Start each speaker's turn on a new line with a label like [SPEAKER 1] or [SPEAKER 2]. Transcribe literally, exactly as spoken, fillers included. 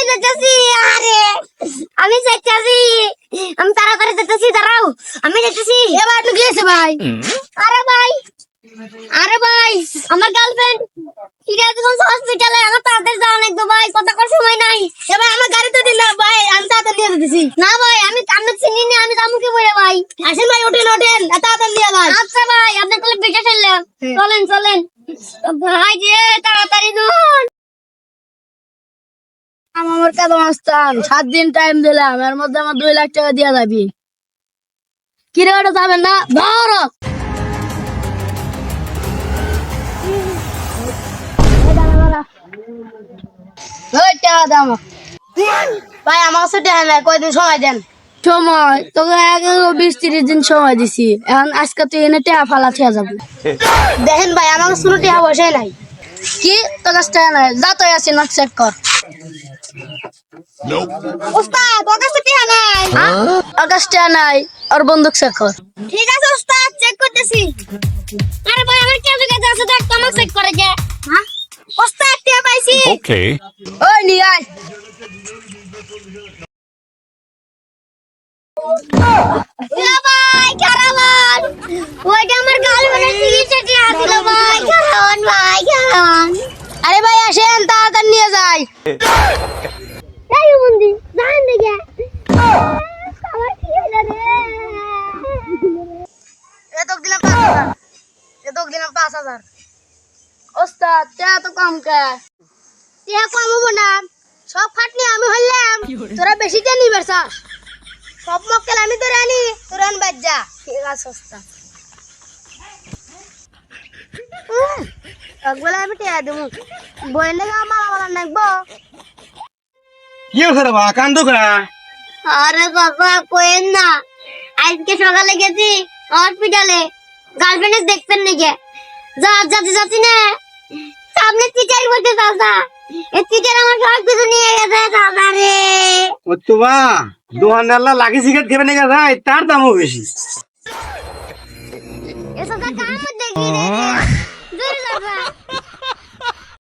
[SPEAKER 1] যাচ্ছি আরে আমি যাচ্ছি আমি তাড়াতাড়ি যাচ্ছি দাঁড়াও আমি যাচ্ছি এবার আপনি গিয়েছে ভাই আরে ভাই আরে ভাই আমার গার্লফ্রেন্ড সিরাজগঞ্জ হসপিটালে আমার তাড়াতাড়ি যাওয়া লাগবে ভাই কথা কর সময় নাই এবার আমার গাড়িতে দিন না ভাই আমি তাড়াতাড়ি নিয়ে যেতেছি না ভাই আমি আমি চিনি না আমি যাবো কি বলে ভাই আসেন ভাই ওঠেন ওঠেন তাড়াতাড়ি নিয়ে ভাই আচ্ছা ভাই আপনি তাহলে বেঁচে ফেললেন চলেন চলেন ভাই যে তাড়াতাড়ি ধুন
[SPEAKER 2] আমার কাছে মাস্তান সাত দিন টাইম দিলাম এর মধ্যে আমার দুই লাখ টাকা দিয়া যাবি কি রে ওটা যাবেন না ধর
[SPEAKER 1] ভাই আমার কাছে টাকা নাই কয়দিন সময় দেন
[SPEAKER 2] সময় তোকে এগারো বিশ তিরিশ দিন সময় দিছি এখন আজকে তুই এনে টাকা ফালা থেকে যাবি
[SPEAKER 1] দেখেন ভাই আমার কাছে কোনো টাকা পয়সাই নাই
[SPEAKER 2] কি তোর কাছে টাকা নাই যা তুই আসি না চেক কর
[SPEAKER 1] উস্তাদ তোর কাছে টাকা নাই
[SPEAKER 2] ওর কাছে টাকা নাই ওর বন্দুক চেক কর
[SPEAKER 1] ঠিক আছে উস্তাদ চেক করতেছি আরে ভাই আমার কেন কাছে আছে দেখ তোমাকে চেক করে কে হ্যাঁ উস্তাদ টাকা পাইছি
[SPEAKER 3] Okay.
[SPEAKER 2] ওই নিয়ে আয়
[SPEAKER 1] ইয়া ভাই কারাবান ওইটা আমার গার্লফ্রেন্ডের সিগারেট টাকা দিল ভাই কারাবান ভাই কারাবান
[SPEAKER 2] আরে ভাই আসেন তাড়াতাড়ি নিয়ে যাই
[SPEAKER 1] এই বন্ধু জান দেখে আমার কি হলো রে
[SPEAKER 2] এ তো দিলাম পাঁচ হাজার এ তো দিলাম পাঁচ হাজার ওস্তাদ টাকা তো কম কে
[SPEAKER 1] টাকা কমাবো না সব খাটনি আমি হইলাম তোরা বেশি জানি বেরছাস সব মক্কেল আমি তোরে আনি তোরা আন বাদ যা
[SPEAKER 2] ঠিক আছে ওস্তাদ
[SPEAKER 1] একবেলা আমি টাকা দেবো বইয়ের লেগে আমার আমার নাকবো
[SPEAKER 4] কি হলো বা কান্দো কা
[SPEAKER 1] আরে বাবা কোয়েন না আজকে সকালে গেছি হসপিটালে গার্লফ্রেন্ড দেখতেন নাকি যা যাতে যাচ্ছি না সামনে টিচার বলতে চাচা এই টিচার আমার সব কিছু নিয়ে গেছে দাদা রে
[SPEAKER 4] ও তো বা দোকানদারলা লাগি সিগারেট খেবে না ভাই তার দামও বেশি
[SPEAKER 1] এসব কাম দেখি রে দূর যাবা